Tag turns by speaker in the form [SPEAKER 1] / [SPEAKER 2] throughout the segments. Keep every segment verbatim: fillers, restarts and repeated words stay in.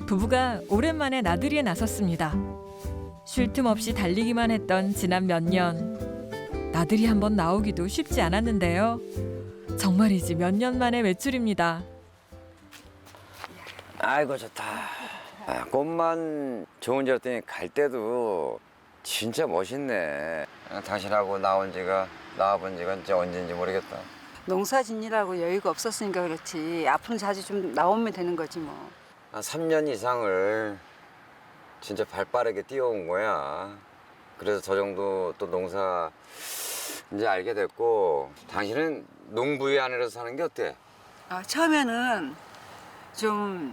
[SPEAKER 1] 부부가 오랜만에 나들이에 나섰습니다. 쉴 틈 없이 달리기만 했던 지난 몇 년. 나들이 한번 나오기도 쉽지 않았는데요. 정말이지 몇 년 만의 외출입니다.
[SPEAKER 2] 아이고 좋다. 아, 꽃만 좋은 지였더니 갈 때도 진짜 멋있네. 아, 당신하고 나온 지가 나와본 지가 진짜 언제인지 모르겠다.
[SPEAKER 3] 농사 짓느라고 여유가 없었으니까 그렇지. 앞으로 자주 좀 나오면 되는 거지 뭐.
[SPEAKER 2] 한 삼 년 이상을 진짜 발 빠르게 뛰어온 거야. 그래서 저 정도 또 농사 이제 알게 됐고. 당신은 농부의 아내로서 사는 게 어때?
[SPEAKER 3] 아, 처음에는 좀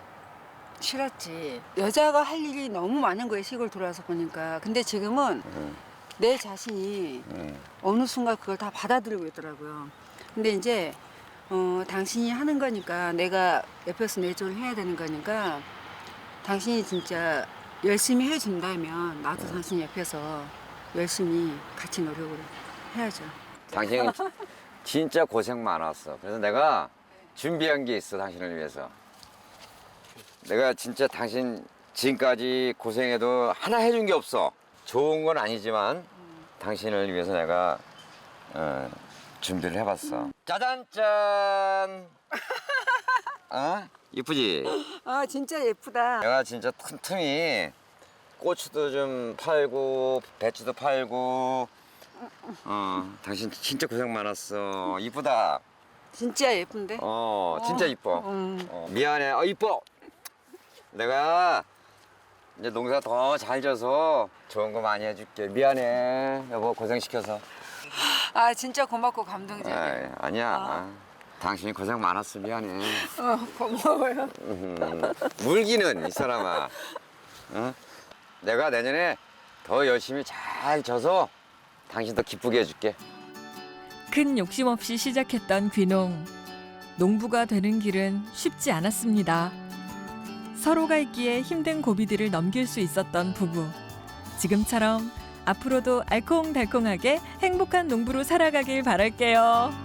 [SPEAKER 3] 싫었지. 여자가 할 일이 너무 많은 거예요, 시골 돌아서 보니까. 근데 지금은
[SPEAKER 2] 응.
[SPEAKER 3] 내 자신이
[SPEAKER 2] 응.
[SPEAKER 3] 어느 순간 그걸 다 받아들이고 있더라고요. 근데 이제 어, 당신이 하는 거니까 내가 옆에서 내조를 해야 되는 거니까 당신이 진짜 열심히 해준다면 나도 당신 옆에서 열심히 같이 노력을 해야죠.
[SPEAKER 2] 당신 진짜 고생 많았어. 그래서 내가 준비한 게 있어, 당신을 위해서. 내가 진짜 당신 지금까지 고생해도 하나 해준 게 없어. 좋은 건 아니지만 당신을 위해서 내가 어, 준비를 해봤어. 짜잔 짠. 어? 이쁘지?
[SPEAKER 3] 아, 진짜 예쁘다.
[SPEAKER 2] 내가 진짜 틈틈이 고추도 좀 팔고 배추도 팔고. 어, 당신 진짜 고생 많았어. 이쁘다.
[SPEAKER 3] 진짜 예쁜데?
[SPEAKER 2] 어, 진짜 이뻐.
[SPEAKER 3] 음.
[SPEAKER 2] 어, 미안해. 어, 이뻐. 내가 이제 농사 더 잘 져서 좋은 거 많이 해줄게. 미안해. 여보, 고생시켜서.
[SPEAKER 3] 아, 진짜 고맙고 감동적이야.
[SPEAKER 2] 아이, 아니야. 당신이 고생 많았어. 미안해.
[SPEAKER 3] 어, 고마워요.
[SPEAKER 2] 음, 물기는 이 사람아. 어? 내가 내년에 더 열심히 잘 져서 당신 더 기쁘게 해줄게.
[SPEAKER 1] 큰 욕심 없이 시작했던 귀농. 농부가 되는 길은 쉽지 않았습니다. 서로가 있기에 힘든 고비들을 넘길 수 있었던 부부. 지금처럼 앞으로도 알콩달콩하게 행복한 농부로 살아가길 바랄게요.